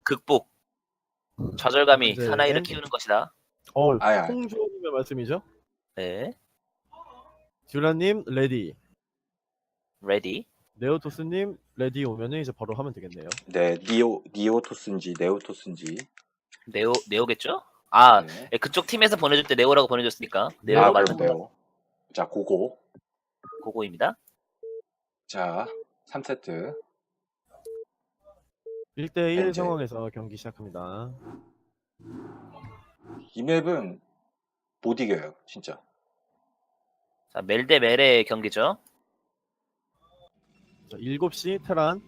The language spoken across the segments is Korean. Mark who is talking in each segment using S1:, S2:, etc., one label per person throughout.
S1: 극복. 좌절감이
S2: 이제
S1: 사나이를 키우는 것이다.
S3: 아야.
S2: 홍조님의 말씀이죠?
S1: 네.
S2: 듀라님 레디.
S1: 레디.
S2: 네오토스님 레디 오면은 이제 바로 하면 되겠네요.
S3: 네, 니오토스인지 네오토스인지.
S1: 네오겠죠? 아,
S3: 네.
S1: 그쪽 팀에서 보내줄 때 네오라고 보내줬으니까 네오
S3: 아,
S1: 맞는
S3: 그럼 네오. 자, 고고.
S1: 고고입니다.
S3: 자, 3세트.
S2: 1대1
S3: 이제.
S2: 상황에서 경기 시작합니다.
S3: 이 맵은 못 이겨요, 진짜.
S1: 자, 멜 대 멜의 경기죠.
S2: 자, 7시 테란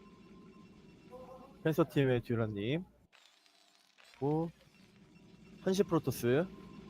S2: 펜서팀의 듀라님, 그리고 1시 프로토스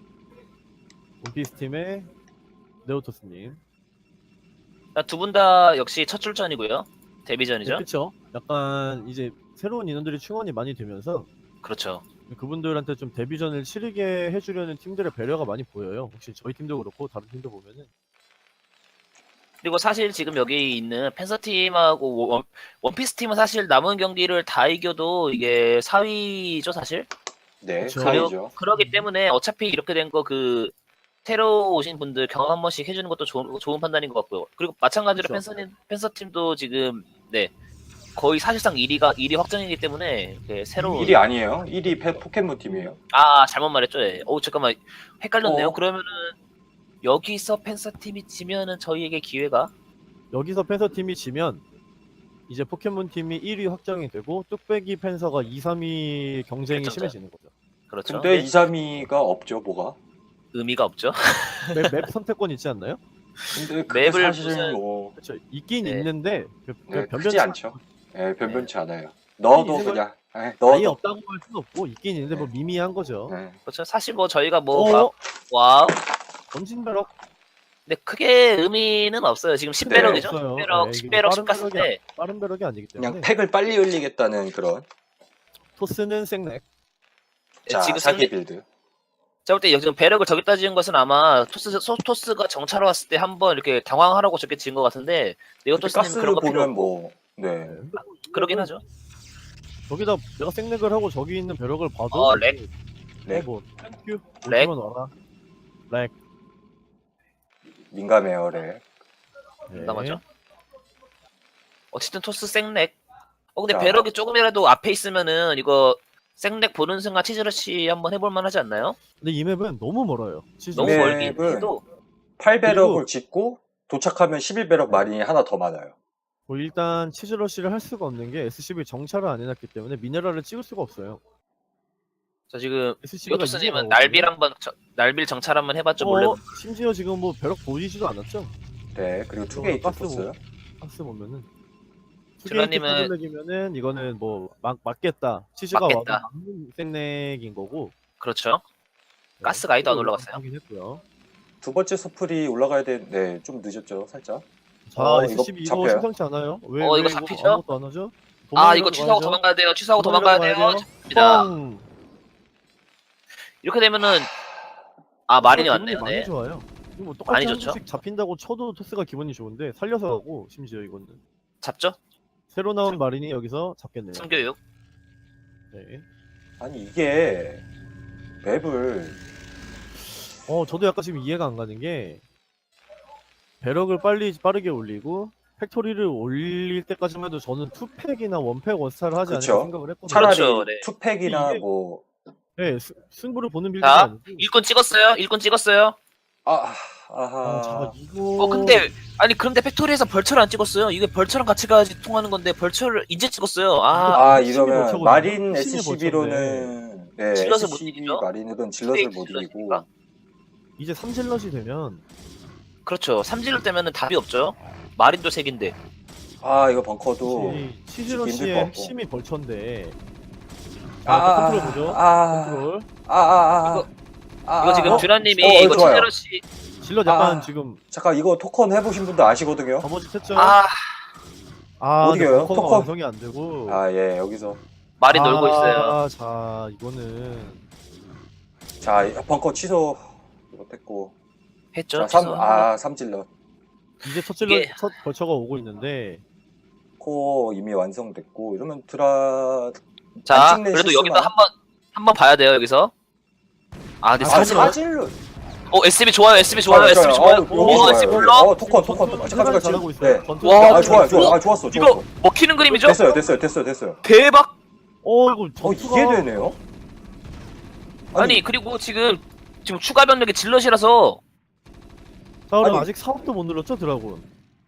S2: 원피스팀의 네오토스님.
S1: 두 분 다 역시 첫 출전이고요. 데뷔전이죠.
S2: 그렇죠. 약간 이제 새로운 인원들이 충원이 많이 되면서
S1: 그렇죠.
S2: 그분들한테 좀 데뷔전을 치르게 해주려는 팀들의 배려가 많이 보여요. 혹시 저희 팀도 그렇고 다른 팀도 보면은.
S1: 그리고 사실 지금 여기 있는 펜서팀하고 원피스 팀은 사실 남은 경기를 다 이겨도 이게 4위죠 사실.
S3: 네,
S2: 그쵸.
S3: 사이죠.
S1: 그러기 때문에 어차피 이렇게 된 거 그 새로 오신 분들 경험 한 번씩 해주는 것도 좋은 판단인 것 같고요. 그리고 마찬가지로
S2: 그쵸.
S1: 펜서팀도 지금 네 거의 사실상 1위 확정이기 때문에 새로
S3: 1위 아니에요. 1위 포켓몬 팀이에요.
S1: 아 잘못 말했죠. 예. 잠깐만 헷갈렸네요.
S3: 어.
S1: 그러면은 여기서 펜서팀이 지면은 저희에게 기회가
S2: 여기서 펜서팀이 지면 이제 포켓몬팀이 1위 확정이 되고 뚝배기 펜서가 2, 3위 경쟁이
S1: 결정전.
S2: 심해지는 거죠.
S1: 그렇죠.
S3: 근데 2, 3위가 없죠, 뭐가.
S1: 의미가 없죠.
S2: 맵 선택권 있지 않나요?
S3: 근데 그게
S1: 맵을
S3: 사실
S1: 무슨-
S3: 뭐
S2: 그렇죠. 있긴
S1: 네.
S2: 있는데
S3: 네,
S2: 변변치
S3: 크지 않죠. 네, 변변치 않아요. 넣어도
S2: 있는 걸-
S3: 그냥
S2: 아예
S3: 넣어도.
S2: 없다고 할 수는 없고 있긴 있는데 뭐
S3: 네.
S2: 미미한 거죠.
S3: 네.
S1: 그렇죠. 사실 뭐 저희가 뭐
S2: 어?
S1: 막 와우.
S2: 전진벼락
S1: 근데 크게 의미는 없어요. 지금 10배럭이죠.
S2: 없어요.
S1: 10배럭,
S2: 네, 이거
S1: 10배럭
S2: 빠른
S1: 10가스인데
S2: 빠른 벼락이 아니기 때문에
S3: 그냥 팩을 빨리 흘리겠다는 그런.
S2: 토스는 생렉.
S3: 자,
S1: 지금
S3: 사기 빌드.
S1: 제가 볼 때 지금 배럭을 저기다 지은 것은 아마 토스가 정찰 왔을 때 한번 이렇게 당황하라고 저렇게 지은 것 같은데
S3: 근데
S1: 네오토스님
S3: 가스
S1: 그런 거 필요
S3: 보면
S1: 없고
S3: 뭐, 네.
S1: 그러긴 하죠.
S2: 저기다 내가 생렉을 하고 저기 있는 벼락을 봐도
S1: 렉.
S3: 렉.
S2: 뭐 땡큐
S1: 렉.
S2: 오지만 와라. 렉.
S3: 민감해요, 렉.
S2: 네.
S1: 민감하죠. 어쨌든 토스 생렉. 근데
S3: 자.
S1: 배럭이 조금이라도 앞에 있으면은 이거 생렉 보는 순간 치즈러시 한번 해볼 만하지 않나요?
S2: 근데 이 맵은 너무 멀어요.
S1: 너무
S3: 네.
S1: 멀긴
S3: 맵은
S1: 해도
S3: 8배럭을 짓고 도착하면 11배럭 마린이 하나 더 많아요.
S2: 뭐 일단 치즈러시를 할 수가 없는 게 SCV 정찰을 안 해놨기 때문에 미네랄을 찍을 수가 없어요.
S1: 자 지금
S2: SCV가
S1: 네오토스님은 날빌 정찰 한번 해봤죠 몰래.
S2: 심지어 지금 뭐 벼락 보이지도 않았죠.
S3: 네, 그리고 투게이트
S2: 가스
S3: 토스.
S2: 가스 보면은
S1: 듀라님은-
S2: 투게이트면은 이거는 뭐 맞겠다. 치즈가 와도
S1: 맞겠다.
S2: 막는 생렉인 거고.
S1: 그렇죠.
S2: 네,
S1: 가스 가이도 안
S2: 이거
S1: 올라갔어요.
S2: 확인 했고요.
S3: 두 번째 서플이 올라가야 돼. 네, 좀 늦었죠, 살짝.
S2: 자,
S3: 이거
S2: SCV 이거
S3: 잡혀요?
S2: 심상치 않아요? 왜
S1: 이거 잡히죠?
S2: 아무것도 안 하죠?
S1: 이거 취소하고 도망가야 돼요. 취소하고 도망가야 돼요. 입니다. 이렇게 되면은 마린이 왔네요.
S2: 많이
S1: 네.
S2: 좋아요. 이거 뭐
S1: 많이
S2: 똑같이 한
S1: 좋죠.
S2: 번씩 잡힌다고 쳐도 토스가 기분이 좋은데 살려서 하고 심지어 이거는
S1: 잡죠?
S2: 새로 나온 마린이 여기서 잡겠네요.
S1: 성교육.
S2: 네.
S3: 아니, 이게 맵을
S2: 저도 약간 지금 이해가 안 가는 게 배럭을 빠르게 올리고 팩토리를 올릴 때까지만 해도 저는 투팩이나 원팩 원스타를 하지
S3: 그쵸.
S2: 않을까 생각을 했거든요.
S3: 차라리
S1: 그렇죠, 네.
S3: 투팩이나
S2: 이게-
S3: 뭐,
S2: 네, 승부를 보는 빌드가
S1: 자,
S2: 아니고.
S1: 일꾼 찍었어요. 일꾼 찍었어요.
S3: 아하.
S2: 자, 이거
S1: 근데 그런데 팩토리에서 벌처를 안 찍었어요. 이게 벌처랑 같이 가야지 통하는 건데 벌처를 이제 찍었어요.
S3: 이러면
S2: 멋져거든요.
S3: 마린
S2: 핵심이
S3: SCB로는 네,
S1: 질럿을 못
S3: SCB
S1: 이기죠?
S3: 마린은 질럿을 못
S1: 질럿이니까.
S3: 이기고
S2: 이제 3질럿이 되면
S1: 그렇죠. 삼질을 때면은 답이 없죠. 마린도 색인데.
S3: 이거 벙커도
S2: 치즈러시의
S3: 힘들 것 같고.
S2: 핵심이 벌처인데.
S3: 아,
S2: 컨트롤 보죠.
S3: 아,
S2: 컨트롤.
S1: 이거 지금 듀라님이 이거
S3: 좋아요.
S1: 치즈러시
S2: 질럿 약간 지금
S3: 잠깐 이거 토컨 해보신 분도 아시거든요.
S2: 거머쥐 쳤죠.
S3: 못
S2: 근데
S3: 이겨요.
S2: 벙커가
S3: 토컨.
S2: 완성이 안 되고.
S3: 예, 여기서
S1: 마린 놀고 있어요.
S2: 자, 이거는
S3: 자 벙커 취소 못했고
S1: 했죠.
S3: 자, 삼질럿
S2: 이제 첫
S1: 이게-
S2: 벌처가 오고 있는데
S3: 코어 이미 완성됐고 이러면
S1: 자,
S3: 찍는
S1: 그래도
S3: 실수만.
S1: 여기서 한번 봐야 돼요, 여기서. 아, 근데
S3: 아,
S1: 사실,
S3: 사질로.
S1: SB 좋아요, SB 좋아요, SB 좋아요.
S3: 여기
S1: 오,
S3: 좋아요.
S1: SB 불러?
S3: 토컨.
S2: 테란이
S3: 잠깐.
S2: 잘하고 있어요.
S3: 네.
S2: 전투
S1: 와,
S3: 아, 좋아요. 아, 좋았어.
S1: 이거 먹히는 그림이죠?
S3: 됐어요.
S1: 대박!
S2: 이거
S3: 이게
S2: 전투가
S3: 되네요.
S1: 아니, 그리고 지금 추가 병력이 질럿이라서,
S2: 자, 그럼
S3: 아니.
S2: 아직 사업도 못 눌렀죠, 드라군?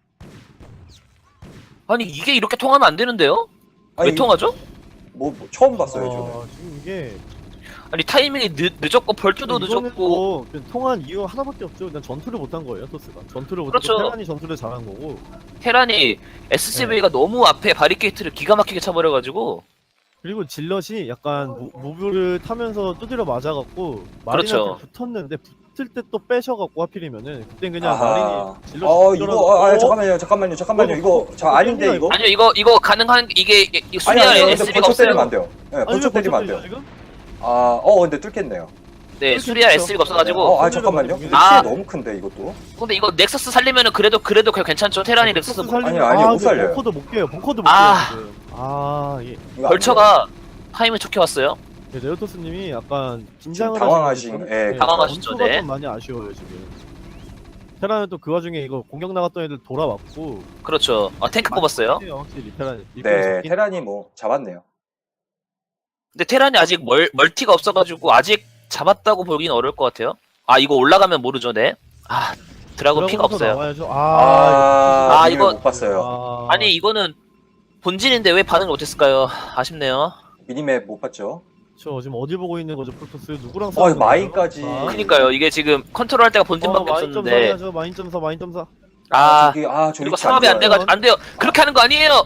S1: 아니, 이게 이렇게 통하면 안 되는데요? 왜 통하죠?
S3: 뭐 처음 봤어요, 저는.
S2: 지금 이게
S1: 아니, 타이밍이 늦었고, 벌초도
S2: 이거는
S1: 늦었고,
S2: 뭐 통한 이유 하나밖에 없죠. 그냥 전투를 못한 거예요, 토스가. 전투를 못하고
S1: 그렇죠.
S2: 테란이 전투를 잘한 거고.
S1: 테란이 SCV가 너무 앞에 바리케이트를 기가 막히게 쳐버려가지고,
S2: 그리고 질럿이 약간 무브를 타면서 두드려 맞아갖고 마린한테
S1: 그렇죠.
S2: 붙었는데 붙을 때 또 빼셔갖고 하필이면은 그땐 그냥
S3: 아하.
S2: 마린이 질럿이
S3: 이거 잠깐만요. 이거 저 아닌데 이거.
S1: 아니요, 이거 가능한, 이게 수리할
S3: 근데
S1: SCV가
S3: 벌쳐 때리면
S1: 없어요.
S3: 안 돼요. 네, 벌쳐 때리면 안 돼요.
S2: 지금?
S3: 근데 뚫겠네요.
S1: 네, 수리할
S2: 그렇죠.
S1: SCV가 없어가지고.
S3: 잠깐만요. 근데
S1: 아.
S3: 피해 너무 큰데 이것도.
S1: 근데 이거 넥서스 살리면은 그래도 괜찮죠. 테란이 넥서스
S3: 아니, 못 살려요.
S2: 벙커도 못 깨요. 벙커도 못
S1: 아.
S2: 깨요. 지금. 이게
S3: 이거 안
S1: 벌처가 타이밍 좋게 왔어요.
S2: 네오토스님이 약간
S3: 지금
S2: 긴장을
S3: 당황하신,
S2: 하시는
S3: 예,
S2: 네,
S1: 당황하시죠,
S2: 전투가
S1: 네.
S2: 좀 많이 아쉬워요 지금. 테란은 또 그 와중에 이거 공격 나갔던 애들 돌아왔고.
S1: 그렇죠. 탱크 뽑았어요.
S2: 확실히 테란.
S3: 네, 테란이 뭐 잡았네요.
S1: 근데 테란이 아직 멀티가 없어가지고 아직 잡았다고 보긴 어려울 것 같아요. 아, 이거 올라가면 모르죠, 네. 아, 드라곤 피가 없어요.
S2: 나와야죠.
S1: 이거-
S3: 못 봤어요.
S1: 아니, 이거는 본진인데 왜 반응을 못했을까요? 아쉽네요.
S3: 미니맵 못 봤죠.
S2: 저 지금 어디 보고 있는 거죠, 프로토스? 누구랑
S3: 이거 마인까지.
S1: 그니까요. 이게 지금 컨트롤할 때가 본진밖에 없었는데.
S2: 마인점사.
S3: 저
S1: 그리고
S3: 위치
S1: 상업이 안
S3: 좋아요.
S1: 안 돼요. 그렇게 하는 거 아니에요.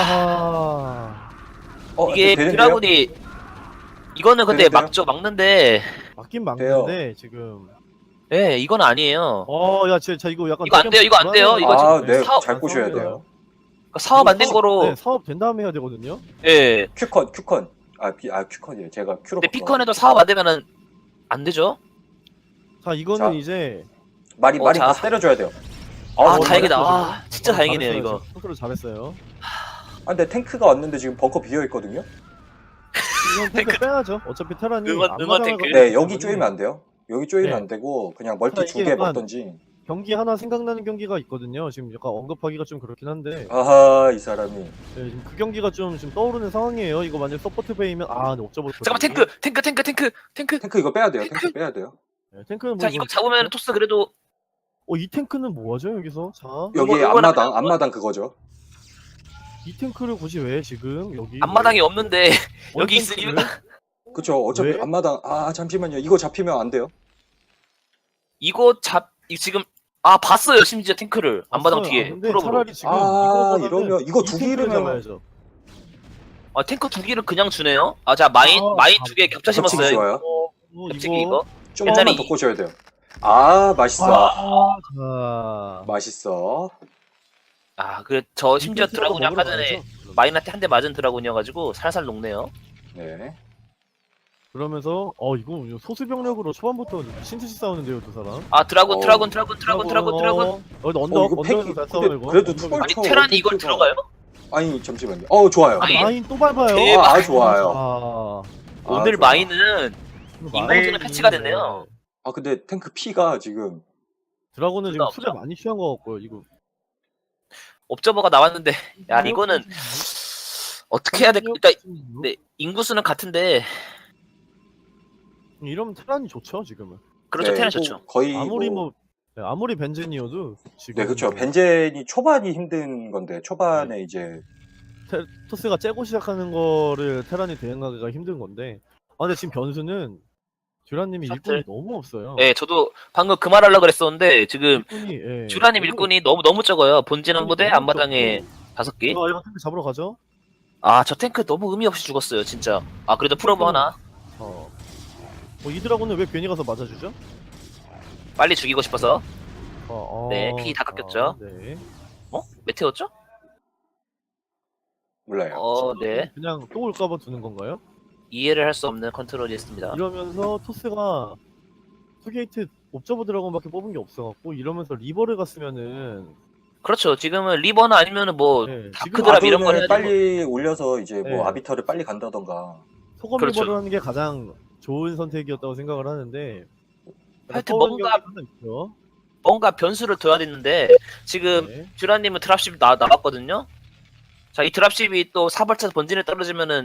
S2: 아하.
S1: 이게
S3: 되는데요?
S1: 드라군이 이거는 근데
S3: 되는데요?
S1: 막는데
S2: 맞긴 막는데 지금.
S1: 예, 이건 아니에요.
S2: 야, 자 이거 약간
S1: 이거 안 돼요, 이거 안 돼요. 이거
S3: 아,
S1: 지금
S3: 네,
S1: 사업-
S3: 잘 꼬셔야 돼요.
S1: 그러니까 사업 안 된 거로
S2: 네, 사업 된 다음에 해야 되거든요.
S1: 예.
S3: 큐컨. 큐컨이에요. 제가 큐로.
S1: 근데 피컨에도 사업 안 되면은 안 되죠.
S2: 자, 이거는
S3: 자.
S2: 이제
S3: 마린
S1: 자.
S3: 가서 때려줘야 돼요.
S1: 아,
S3: 뭐
S1: 다행이다.
S3: 잘했어요,
S1: 아, 진짜 다행이네요, 이거.
S2: 컨트롤 잘했어요.
S3: 근데 탱크가 왔는데 지금 벙커 비어 있거든요.
S2: 이건 탱크 빼야죠. 어차피 테란이
S1: 응원
S2: 앞마당을
S1: 탱크.
S2: 가고
S3: 네,
S2: 있기
S3: 여기
S2: 때문에
S3: 쪼이면 안 돼요. 여기 쪼이면
S2: 네.
S3: 안 되고 그냥 멀티
S2: 자,
S3: 2개
S2: 이게 약간-
S3: 먹던지.
S2: 경기 하나 생각나는 경기가 있거든요. 지금 약간 언급하기가 좀 그렇긴 한데
S3: 아하, 이 사람이.
S2: 네, 지금 그 경기가 좀 지금 떠오르는 상황이에요. 이거 만약 서포트 베이면 근데 옵저버.
S1: 잠깐만, 탱크.
S3: 탱크 이거 빼야 돼요. 탱크 빼야 돼요.
S2: 네, 탱크는 뭐
S1: 자, 이거 잡으면 토스 그래도
S2: 이 탱크는 뭐하죠 여기서? 자,
S3: 여기
S1: 이거
S3: 앞마당 그거죠.
S2: 이 탱크를 굳이 왜 지금 여기?
S1: 앞마당이 없는데
S2: 원
S1: 여기
S2: 탱크를?
S1: 있으니까
S3: 그쵸. 어차피
S2: 왜?
S3: 앞마당. 잠시만요. 이거 잡히면 안 돼요.
S1: 지금 봤어요, 심지어 탱크를 앞마당
S2: 없어요.
S1: 뒤에
S2: 근데
S1: 프로브로.
S2: 차라리 지금 이거보다는
S3: 이러면 이거
S2: 이
S3: 두
S2: 탱크를
S3: 개를
S2: 잡아야죠.
S1: 탱크 2기를 그냥 주네요. 자, 마인 2개 겹쳐
S3: 겹치기
S1: 심었어요.
S3: 좋아요.
S1: 겹치기 이거.
S3: 조금만
S1: 옛날에
S3: 더 꼬셔야 돼요. 맛있어.
S2: 자,
S3: 맛있어.
S1: 저 심지어
S2: 이 탱크라도
S1: 드라군이 아까
S2: 먹으러
S1: 전에
S2: 가야죠.
S1: 마인한테 한 대 맞은 드라군이어가지고 살살 녹네요.
S3: 네.
S2: 그러면서 이거 소수병력으로 초반부터 신트시 싸우는데요 두 사람.
S1: 드라군.
S2: 언덕
S3: 이거 팩이
S2: 언덕에서 잘
S3: 근데
S2: 싸워 이거.
S3: 그래도
S2: 언덕에서.
S3: 투벌
S1: 아니
S3: 쳐.
S1: 테란이 이걸 들어가요?
S3: 아니 잠시만요. 좋아요.
S1: 아니,
S2: 마인 또 밟아요.
S1: 대박.
S3: 좋아요.
S1: 오늘
S3: 좋아.
S1: 마인은 인공지능 패치가 됐네요.
S3: 근데 탱크 피가 지금
S2: 드라곤은 지금
S1: 없죠.
S2: 수레 많이 취한 것 같고요. 이거.
S1: 옵저버가 나왔는데 이거는 어떻게 해야 될까? 일단 네, 인구수는 같은데
S2: 이러면 테란이 좋죠 지금은.
S1: 그렇죠,
S3: 네,
S1: 테란
S3: 뭐
S1: 좋죠.
S3: 거의
S2: 아무리 벤젠이어도 지금.
S3: 네, 그렇죠. 벤젠이 초반이 힘든 건데 초반에 이제
S2: 토스가 째고 시작하는 거를 테란이 대응하기가 힘든 건데. 근데 지금 변수는 듀라님이
S1: 셔틀.
S2: 일꾼이 너무 없어요.
S1: 네, 저도 방금 그 말 하려고 그랬었는데 지금
S2: 일꾼이
S1: 듀라님 일꾼이 너무 적어요. 본진 한 부대,
S2: 너무
S1: 앞마당에 5개.
S2: 이거 탱크 잡으러 가죠.
S1: 저 탱크 너무 의미 없이 죽었어요, 진짜. 그래도 프로브 하나
S2: 이 드라곤은 왜 괜히 가서 맞아주죠?
S1: 빨리 죽이고 싶어서. 네, 피 다
S2: 아,
S1: 깎였죠.
S2: 네.
S1: 메테오죠?
S3: 몰라요.
S1: 네.
S2: 그냥 또 올까봐 두는 건가요?
S1: 이해를 할 수 없는 컨트롤이었습니다.
S2: 이러면서 토스가 투게이트 옵저버 드라곤밖에 뽑은 게 없어갖고 이러면서 리버를 갔으면은
S1: 그렇죠. 지금은 리버나 아니면은 뭐
S2: 네, 지금
S1: 다크드랍 이런 걸
S3: 아둔을
S1: 해야지.
S3: 빨리 올려서 이제 뭐
S2: 네.
S3: 아비터를 빨리 간다던가.
S2: 소금
S1: 그렇죠.
S2: 리버를 하는 게 가장 좋은 선택이었다고 생각을 하는데
S1: 하여튼
S2: 떠오른
S1: 뭔가
S2: 경기 하나 있죠.
S1: 뭔가 변수를 둬야 되는데 지금
S2: 네.
S1: 듀라님은 드랍십 나왔거든요. 자, 이 드랍십이 또 사벌차서 본진에 떨어지면은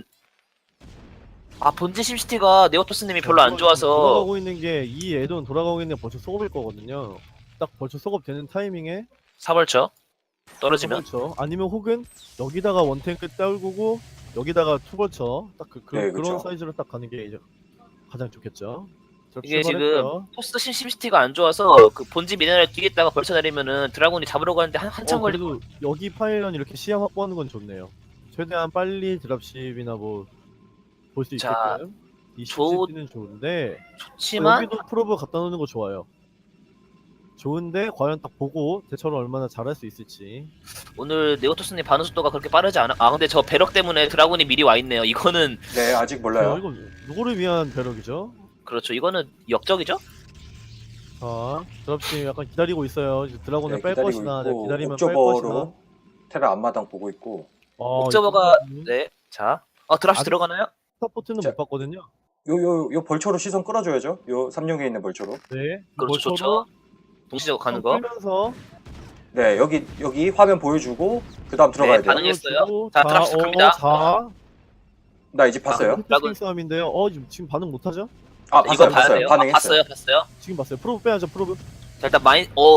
S1: 본진 심시티가 네오토스님이 별로 안 좋아서
S2: 돌아가고 있는 게 이 애돈 돌아가고 있는 게 벌써 속업일 거거든요. 딱 벌써 속업 되는 타이밍에
S1: 사벌쳐 떨어지면
S2: 그렇죠. 아니면 혹은 여기다가 원탱크 떨구고 여기다가 투벌쳐 딱
S3: 네,
S2: 그런
S3: 그쵸.
S2: 사이즈로 딱 가는 게 이제 가장 좋겠죠. 자,
S1: 이게 지금
S2: 출발했고요.
S1: 토스 심시티가 안 좋아서 그 본진 미네랄 뒤에 있다가 벌쳐 내리면은 드라군이 잡으러 가는데 한참 걸리고.
S2: 그래도 여기 파일런 이렇게 시야 확보하는 건 좋네요. 최대한 빨리 드랍십이나 뭐 볼 수
S1: 자,
S2: 있게끔 이
S1: 좋-
S2: 심시티는 좋은데
S1: 좋지만
S2: 여기도 프로브 갖다 놓는 거 좋아요. 좋은데 과연 딱 보고 대처를 얼마나 잘할 수 있을지.
S1: 오늘 네오토스님 반응 속도가 그렇게 빠르지 않아. 근데 저 배럭 때문에 드라군이 미리 와 있네요. 이거는
S3: 네, 아직 몰라요.
S2: 이거 누구를 위한 배럭이죠?
S1: 그렇죠. 이거는 역적이죠.
S2: 자, 드랍십 약간 기다리고 있어요. 이제 드라곤을
S3: 네,
S2: 뺄
S3: 기다리고
S2: 것이나
S3: 있고
S2: 기다리면 뺄 것이나.
S3: 옥저버로 테라 앞마당 보고 있고.
S1: 옥저버가
S2: 이거
S1: 네. 자, 드랍십
S2: 아직-
S1: 들어가나요?
S2: 스타포트는
S3: 자,
S2: 못 봤거든요.
S3: 요 벌초로 시선 끌어줘야죠. 요 삼룡에 있는 벌초로.
S2: 네.
S1: 그렇죠,
S2: 벌초로
S1: 좋죠. 동시적으로 가는 거.
S2: 끌면서
S3: 네, 여기 화면 보여주고 그 다음 들어가야 돼요.
S1: 반응했어요.
S2: 끌어주고,
S1: 자, 드랍십 갑니다.
S2: 자,
S3: 나 이제 봤어요.
S2: 드라곤 싸움인데요. 지금 반응 못 하죠?
S3: 아,
S1: 이거
S3: 봤어요,
S1: 봐야
S3: 봤어요.
S1: 돼요.
S3: 반응했어요.
S1: 봤어요.
S2: 지금 봤어요. 프로브 빼야죠. 프로브.
S1: 자, 일단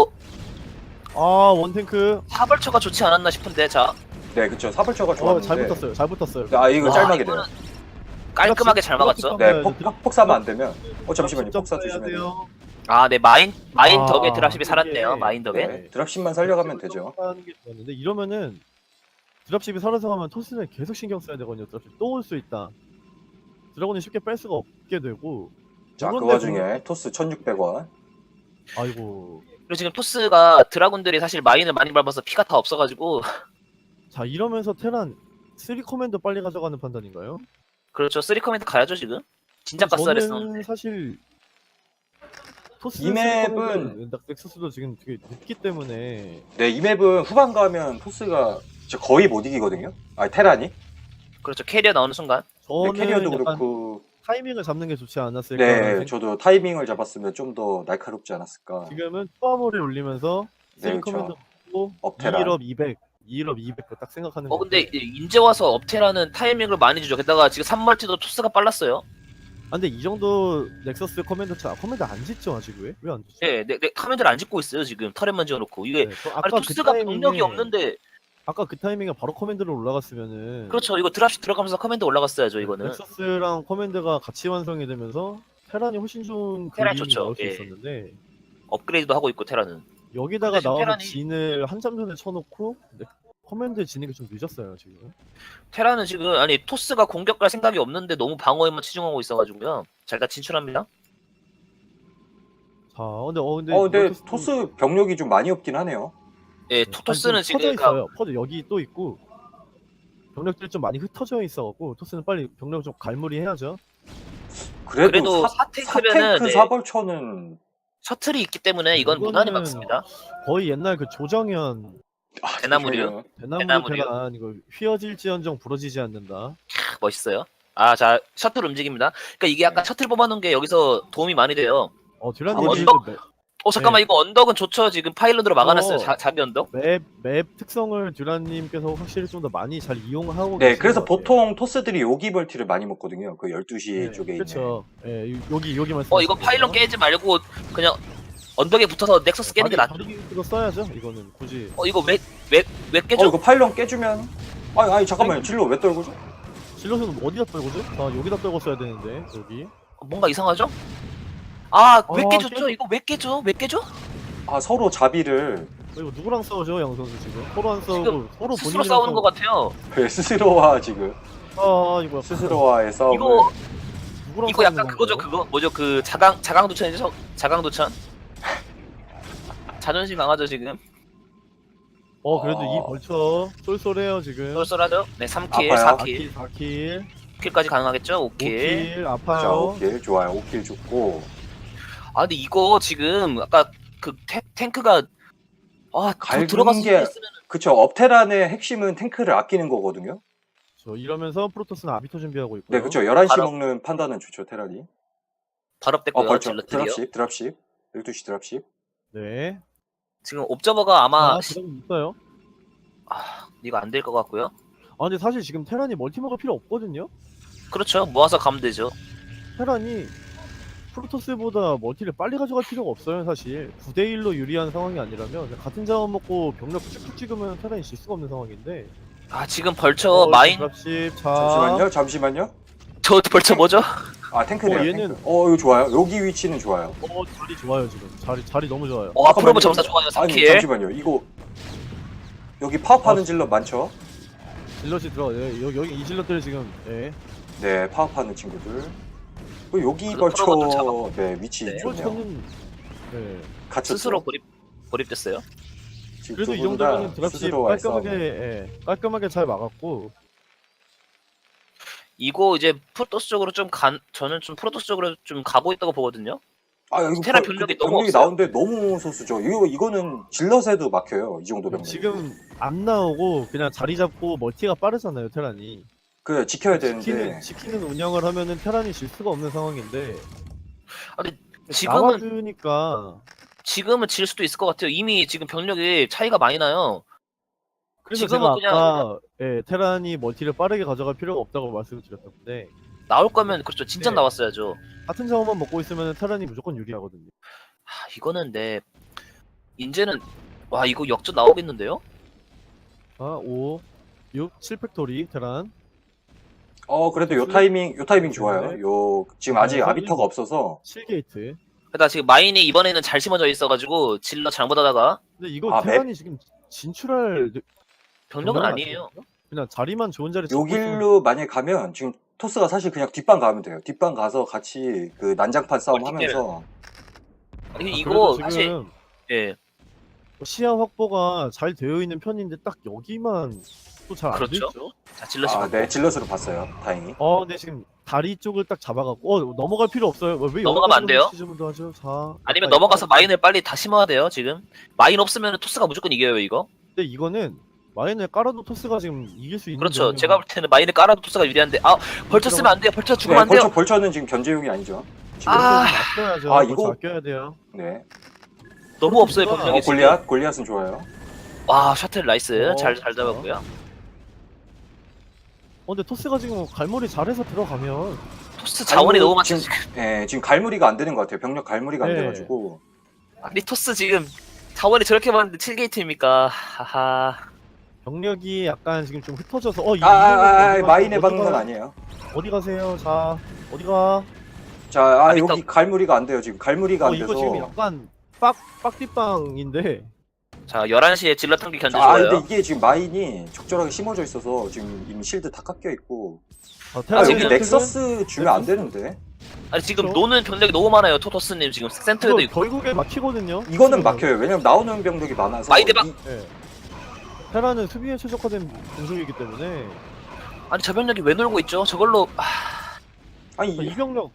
S2: 원탱크.
S1: 사벌처가 좋지 않았나 싶은데 자,
S3: 네, 그쵸. 사벌초가 좋았는데.
S2: 잘 붙었어요. 잘 붙었어요.
S3: 이거
S1: 와,
S3: 짤막이
S1: 이거는
S3: 돼요.
S1: 깔끔하게 잘 막았죠.
S3: 네, 폭 사면 안 되면. 잠시만요. 폭사
S2: 해야
S3: 조심해야 돼요.
S1: 네, 마인
S2: 아,
S1: 덕에 드랍십이 살았네요.
S2: 이게-
S1: 마인 덕에.
S3: 네, 드랍십만 살려가면 되죠.
S2: 하는 게 좋았는데 이러면은 드랍십이 살아서 가면 토스는 계속 신경 써야 되거든요. 드랍십 또 올 수 있다. 드라곤이 쉽게 뺄 수가 없게 되고.
S3: 자, 그
S2: 그런데
S3: 와중에 토스 1600원.
S2: 아이고.
S1: 그리고 지금 토스가 드라군들이 사실 마인을 많이 밟아서 피가 다 없어가지고
S2: 자, 이러면서 테란 3 커맨더 빨리 가져가는 판단인가요?
S1: 그렇죠. 3 커맨드 가야죠 지금. 진작 갔어야 했었는데.
S2: 저는 사실 토스
S3: 이 맵은-
S2: 넥서스도 지금 되게 늦기 때문에
S3: 네, 이 맵은 후반 가면 토스가 진짜 거의 못 이기거든요. 테란이.
S1: 그렇죠. 캐리어 나오는 순간.
S2: 저는
S3: 캐리어도
S2: 약간
S3: 그렇고.
S2: 타이밍을 잡는 게 좋지 않았을까.
S3: 네, 저도 타이밍을 잡았으면 좀 더 날카롭지 않았을까.
S2: 지금은 투아모를 올리면서
S3: 네,
S2: 3
S3: 그쵸.
S2: 커맨더 고
S3: 업테란.
S2: 2업 200, 2업 200 딱 생각하는 거.
S1: 근데 이제 와서 업테라는 타이밍을 많이 주죠. 게다가 지금 3멀티도 토스가 빨랐어요.
S2: 근데 이 정도 넥서스 커맨더 커맨더 안 짓죠 아직 왜 안 짓죠?
S1: 네, 커맨드를 안 짓고 있어요 지금. 터렛만 지어놓고 이게
S2: 네, 저
S1: 아니 토스가 병력이 없는데.
S2: 아까 그 타이밍에 바로 커맨드로 올라갔으면은
S1: 그렇죠. 이거 드랍십 들어가면서 커맨드 올라갔어야죠 이거는.
S2: 넥서스랑 커맨드가 같이 완성이 되면서 테란이 훨씬 좋은
S1: 테란
S2: 그림이
S1: 좋죠.
S2: 나올 수
S1: 예.
S2: 있었는데
S1: 업그레이드도 하고 있고 테라는.
S2: 여기다가
S1: 근데 지금
S2: 나와서
S1: 테란이-
S2: 진을 한참 전에 쳐놓고 커맨드 지는 게 좀 늦었어요 지금.
S1: 테라는 지금 토스가 공격할 생각이 없는데 너무 방어에만 치중하고 있어가지고요. 자 일단 진출합니다.
S2: 자, 근데
S3: 근데 토스 병력이 좀 많이 없긴 하네요.
S1: 예, 토스는 지금
S2: 퍼져
S1: 그러니까
S2: 있어요. 퍼져 여기 또 있고 병력들이 좀 많이 흩어져 있어갖고 토스는 빨리 병력 좀 갈무리 해야죠.
S3: 그래도
S1: 사탱크면은
S3: 사탱크 사벌초는
S1: 셔틀이 있기 때문에 이건
S2: 이거는
S1: 무난히 막습니다.
S2: 거의 옛날 그 조정현
S1: 대나무류.
S2: 대나무
S1: 대나무류.
S2: 테란 이거 휘어질지언정 부러지지 않는다.
S1: 멋있어요. 자 셔틀 움직입니다. 그러니까 이게 약간 셔틀 뽑아놓은 게 여기서 도움이 많이 돼요.
S2: 듀란님이
S1: 언덕? 잠깐만
S2: 네.
S1: 이거 언덕은 좋죠. 지금 파일런으로 막아놨어요. 자기 언덕.
S2: 맵 특성을 듀란님께서 확실히 좀 더 많이 잘 이용하고
S3: 네,
S2: 계시는
S3: 그래서
S2: 것 같아요.
S3: 보통 토스들이 여기 벌티를 많이 먹거든요. 그 12시 쪽에 있는.
S2: 그렇죠. 여기 말씀.
S1: 이거 파일런 깨지 말고 그냥 언덕에 붙어서 넥서스 깨는 게 낫죠.
S2: 이거 써야죠. 이거는 굳이.
S1: 이거 왜 깨져?
S3: 이거 파일런 깨주면. 아니 잠깐만요. 진로 왜 떨구죠?
S2: 실로는 어디다 떨고죠? 여기다 떨고 써야 되는데 여기.
S1: 뭔가 이상하죠? 왜 깨졌죠? 이거 왜 깨져?
S3: 서로 자비를
S2: 이거 누구랑 싸우죠, 양 선수 지금? 서로 안 싸우고
S1: 지금
S2: 서로
S1: 스스로
S2: 본인이랑
S1: 싸우는 것 같아요.
S3: 스스로와 지금
S2: 이거
S3: 스스로와의 싸움을.
S2: 누구랑
S1: 이거 약간
S2: 싸우는
S1: 그거죠.
S2: 건가요?
S1: 그거 뭐죠? 그 자강도천이죠? 자강도천. 자존심 강하죠 지금.
S2: 그래도 이 벌쳐 쏠쏠해요 지금.
S1: 쏠쏠하죠? 네, 3킬,
S3: 아파요.
S1: 4킬.
S2: 4킬,
S1: 5킬까지 가능하겠죠? 5킬.
S2: 5킬
S3: 자,
S2: 아파요.
S3: 5킬 좋아요. 5킬 좋고.
S1: 근데 이거 지금 아까 그 탱크가 아,
S3: 갈군
S1: 들어가서
S3: 게-
S1: 했으면
S3: 그쵸. 업테란의 핵심은 탱크를 아끼는 거거든요.
S2: 저 이러면서 프로토스는 아비토 준비하고 있고요.
S3: 네, 그쵸. 11시
S1: 바로-
S3: 먹는 판단은 좋죠, 테란이.
S1: 발업됐고요.
S3: 벌써
S1: 질럿들이요.
S3: 드랍십. 12시 드랍십.
S2: 네.
S1: 지금 옵저버가 아마
S2: 지금 있어요.
S1: 이거 안 될 것 같고요.
S2: 아 근데 사실 지금 테란이 멀티 먹을 필요 없거든요.
S1: 그렇죠. 모아서 가면 되죠.
S2: 테란이 프로토스보다 멀티를 빨리 가져갈 필요가 없어요. 사실 9대1로 유리한 상황이 아니라면 그냥 같은 자원 먹고 병력 쭉쭉 찍으면 테란이 질 수가 없는 상황인데.
S1: 아, 지금 벌처 마인
S2: 드랍십. 자.
S3: 잠시만요.
S1: 저 벌처 뭐죠?
S3: 아, 탱크네요.
S2: 얘는-
S3: 탱크. 이거 좋아요. 여기 위치는 좋아요.
S2: 자리 좋아요 지금. 자리 너무 좋아요.
S1: 앞으로 점사 좋아요.
S3: 아니,
S1: 3킬.
S3: 잠시만요. 이거 여기 파업하는 질럿 많죠?
S2: 질럿이 들어. 예, 여기 이 질럿들 지금. 예.
S3: 네, 파업하는 친구들. 그리고 여기
S1: 그래서 프로가 좀
S3: 벌쳐 네, 위치
S1: 네.
S3: 좋네요.
S2: 이거는 예.
S3: 갇혔죠.
S1: 스스로 고립됐어요.
S3: 지금
S2: 그래도 이
S3: 두분 다
S2: 정도면 드랍십
S3: 스스로 와서
S2: 깔끔하게 잘 막았고.
S1: 이거 이제 프로토스 쪽으로 저는 좀 프로토스 쪽으로 좀 가고 있다고 보거든요.
S3: 이거
S1: 테란 병력이 너무
S3: 병력이
S1: 없어요.
S3: 나오는데 너무 소수죠. 이거는 질럿에도 막혀요. 이 정도 병력.
S2: 지금 안 나오고 그냥 자리 잡고 멀티가 빠르잖아요 테란이.
S3: 그 지켜야 되는데.
S2: 지키는 운영을 하면은 테란이 질 수가 없는 상황인데.
S1: 아니,
S2: 나와주니까.
S1: 지금은 질 수도 있을 것 같아요. 이미 지금 병력이 차이가 많이 나요.
S2: 그래서
S1: 지금은
S2: 제가 아까 테란이 멀티를 빠르게 가져갈 필요가 없다고 말씀을 드렸던데
S1: 나올 거면 그렇죠. 진짜
S2: 네.
S1: 나왔어야죠.
S2: 같은 자원만 먹고 있으면 테란이 무조건 유리하거든요.
S1: 이거는 이제는 와 이거 역전 나오겠는데요?
S2: 자, 5, 6, 7팩토리 테란.
S3: 그래도 요 타이밍 좋아요.
S2: 네.
S3: 요 지금 아직
S2: 네,
S3: 아비터가 없어서
S2: 7게이트.
S1: 그러다 지금 마인이 이번에는 잘 심어져 있어가지고 질러 잘못하다가
S2: 근데 이거 테란이 지금 진출할
S1: 병력은
S2: 병력은
S1: 아니에요.
S2: 그냥 자리만 좋은 자리
S3: 요
S2: 잡고 있으면
S3: 길로 만약에 가면 지금 토스가 사실 그냥 뒷방 가면 돼요. 뒷방 가서 같이 그 난장판 싸움 하면서
S1: 아니,
S2: 그래도
S1: 이거
S2: 지금
S1: 사실 예
S2: 시야 확보가 잘 되어 있는 편인데 딱 여기만 또 잘 안
S1: 그렇죠.
S2: 됐죠.
S1: 자 질러시
S3: 네, 질럿으로 봤어요. 다행히.
S2: 근데 지금 다리 쪽을 딱 잡아갖고 넘어갈 필요 없어요. 왜
S1: 넘어가면 안 돼요?
S2: 시즌도 하죠? 자,
S1: 아니면 넘어가서 마인을 빨리 다 심어야 돼요. 지금 마인 없으면 토스가 무조건 이겨요 이거.
S2: 근데 이거는 마인을 깔아도 토스가 지금 이길 수 있는.
S1: 그렇죠. 제가 볼 때는 마인을 깔아도 토스가 유리한데 벌쳐 쓰면 안 돼요. 벌쳐 죽으면 안 돼요.
S3: 벌처는 지금 견제용이 아니죠. 지금.
S2: 아껴야죠.
S3: 이거
S2: 아껴야 돼요.
S3: 네.
S1: 너무 없어요 병력이 지금.
S3: 골리앗은 좋아요.
S1: 와 셔틀 나이스. 잘
S2: 그렇죠.
S1: 잡았고요.
S2: 근데 토스가 지금 갈무리 잘해서 들어가면
S1: 토스 자원이 너무 많죠.
S3: 지금, 지금 갈무리가 안 되는 것 같아요. 병력 갈무리가 안
S2: 네.
S3: 돼가지고.
S1: 아니 토스 지금 자원이 저렇게 많은데 7게이트입니까? 하하.
S2: 병력이 약간 지금 좀 흩어져서
S3: 마인에 박는 건 아니에요.
S2: 어디 가세요? 자, 어디 가?
S3: 자,
S1: 아비터.
S3: 여기 갈무리가 안 돼요. 지금 갈무리가 안
S2: 이거
S3: 돼서.
S2: 지금 약간 빡뒷방인데.
S1: 자 11시에 질러 탕기 견제
S3: 근데
S1: 좋아요.
S3: 이게 지금 마인이 적절하게 심어져 있어서 지금 이미 실드 다 깎여 있고.
S2: 테란
S1: 지금
S3: 여기 넥서스 주면 안 되는데.
S1: 아니 지금
S2: 그렇죠?
S1: 노는 병력이 너무 많아요. 토토스님 지금 센터에도
S2: 이거
S1: 있고.
S2: 결국에 막히거든요.
S3: 이거는
S2: 지금.
S3: 막혀요. 왜냐면 나오는 병력이 많아서.
S1: 마인 대박!
S2: 예. 테란은 수비에 최적화된 공속이기 때문에
S1: 아니 저 병력이 왜 놀고 있죠? 저걸로
S3: 아니,
S2: 이 병력.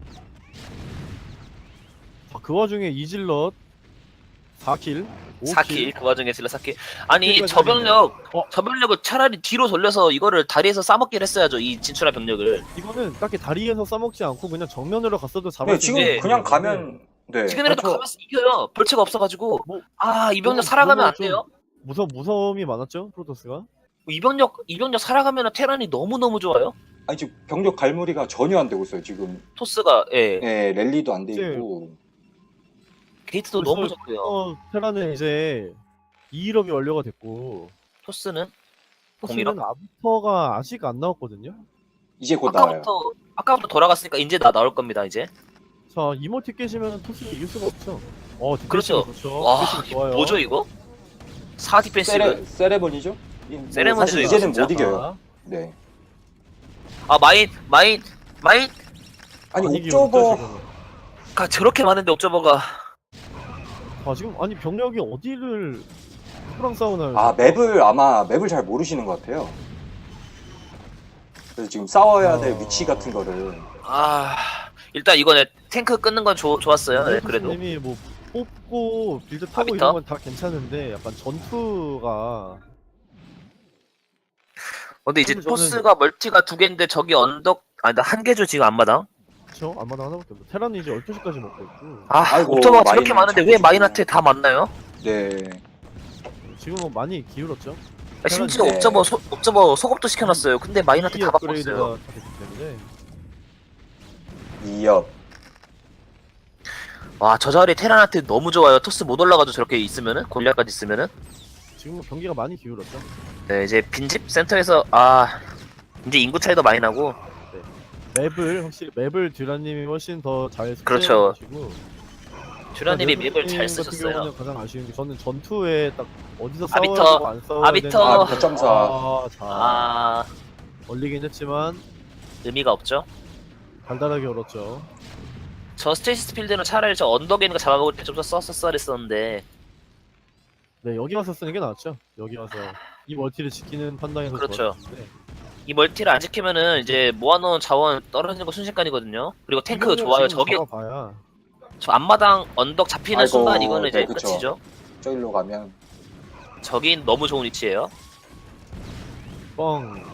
S2: 그 와중에 이질럿 4킬,
S1: 4킬 그 와중에 질러 4킬. 아니
S2: 킬까지
S1: 저 병력
S2: 어.
S1: 저 병력을 차라리 뒤로 돌려서 이거를 다리에서 싸먹기를 했어야죠. 이 진출한 병력을.
S2: 이거는 딱히 다리에서 싸먹지 않고 그냥 정면으로 갔어도
S3: 네,
S2: 잡을 수
S3: 지금
S2: 있는
S3: 그냥
S2: 거거든요.
S3: 가면 네.
S1: 지금이라도
S3: 벌처-
S1: 가면서 이겨요. 벌채가 없어가지고.
S2: 뭐,
S1: 이 병력 살아가면 안
S2: 좀
S1: 돼요.
S2: 무서움이 많았죠 프로토스가.
S1: 이 병력 살아가면 테란이 너무 좋아요.
S3: 아니 지금 병력 갈무리가 전혀 안 되고 있어요. 지금
S1: 토스가
S3: 네, 랠리도 안 돼
S2: 네.
S3: 있고.
S1: 게이트도
S2: 벌써-
S1: 너무 좋고요.
S2: 테란은 이제 2일업이 완료가 됐고
S1: 토스는
S2: 토스는 아비터가 아직 안 나왔거든요.
S3: 이제 곧 나와요.
S1: 아까부터 돌아갔으니까 이제 나올 겁니다 이제.
S2: 자 이모티 깨시면 토스는 이길 수가 없죠.
S1: 그렇죠.
S2: 그렇죠.
S1: 와
S2: 디펜스 좋아요.
S1: 뭐죠 이거? 4 디펜시브.
S3: 세레머니죠?
S1: 세레머니죠,
S3: 사실
S1: 이거
S3: 이제는
S1: 진짜.
S3: 못 이겨요. 네.
S1: 마인
S3: 아니
S2: 이기고
S3: 옥저버
S2: 있죠, 지금은.
S1: 저렇게 많은데 옵저버가.
S2: 지금 아니 병력이 어디를 누구랑 싸우나요?
S3: 맵을 잘 모르시는 것 같아요. 그래서 지금 싸워야 될 위치 같은 거를
S1: 일단 이거는 탱크 끊는 건 좋았어요. 네, 그래도.
S2: 님이 뭐 뽑고 빌드 타고
S1: 아비터?
S2: 이런 건 다 괜찮은데 약간 전투가
S1: 근데 이제
S2: 저는-
S1: 토스가 멀티가 2개인데 저기 언덕 아니 나 1개죠 지금 앞마당.
S2: 그쵸? 안마당 하나밖에 없고 테란이 이제 12시까지 먹고 있고
S1: 아
S3: 아이고,
S1: 옵저버가 저렇게
S3: 마인을
S1: 많은데 왜
S3: 자꾸
S1: 마인한테 다 맞나요?
S3: 네.
S2: 지금은 많이 기울었죠?
S1: 아, 심지어
S3: 네.
S1: 옵저버 속업도 시켜놨어요. 근데 마인한테
S2: 이
S1: 다 바꿨어요.
S2: 업그레이드가 다 됐기 때문에
S3: 2업.
S1: 와 저 자리 테란한테 너무 좋아요. 토스 못 올라가도 저렇게 있으면은 골리앗까지 있으면은.
S2: 지금은 경기가 많이 기울었죠?
S1: 네 이제 빈집 센터에서 아 이제 인구 차이도 많이 나고.
S2: 맵을 확실히 맵을 듀라님이 훨씬 더 잘
S1: 그렇죠.
S2: 쓰시고
S1: 듀라님이 맵을 잘
S2: 같은
S1: 쓰셨어요.
S2: 경우는 가장 아쉬운 게 저는 전투에 딱 어디서
S1: 아비터,
S2: 싸워야 되고 안 싸워야
S1: 아비터.
S2: 되는지
S3: 아, 몇 점사.
S2: 자
S1: 아
S2: 얼리긴 했지만
S1: 의미가 없죠.
S2: 달달하게 얼었죠.
S1: 저 스테이시스 필드는 차라리 저 언덕에 있는 거 잡아볼 때 좀 더 썼어야 했었는데.
S2: 네 여기 와서 쓰는 게 낫죠. 여기 와서 이 멀티를 지키는 판단에서
S1: 그렇죠.
S2: 좋았는데
S1: 이 멀티를 안 지키면은 이제 모아놓은 자원 떨어지는 거 순식간이거든요. 그리고 탱크
S2: 이거는
S1: 좋아요.
S2: 지금
S1: 저기
S2: 잡아봐야
S1: 저 앞마당 언덕 잡히는
S3: 아이고,
S1: 순간 이거는 이제
S3: 네, 그쵸.
S1: 끝이죠.
S3: 저기로 가면
S1: 저기 너무 좋은 위치예요.
S2: 뻥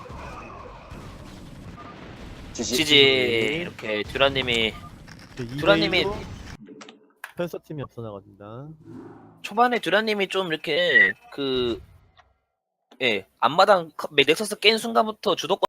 S1: 지지 이렇게 듀라님이 듀라님이-
S2: 펜서 팀이 앞서 나갑니다.
S1: 초반에 듀라님이 좀 이렇게 그 앞마당 넥서스 깬 순간부터 주도권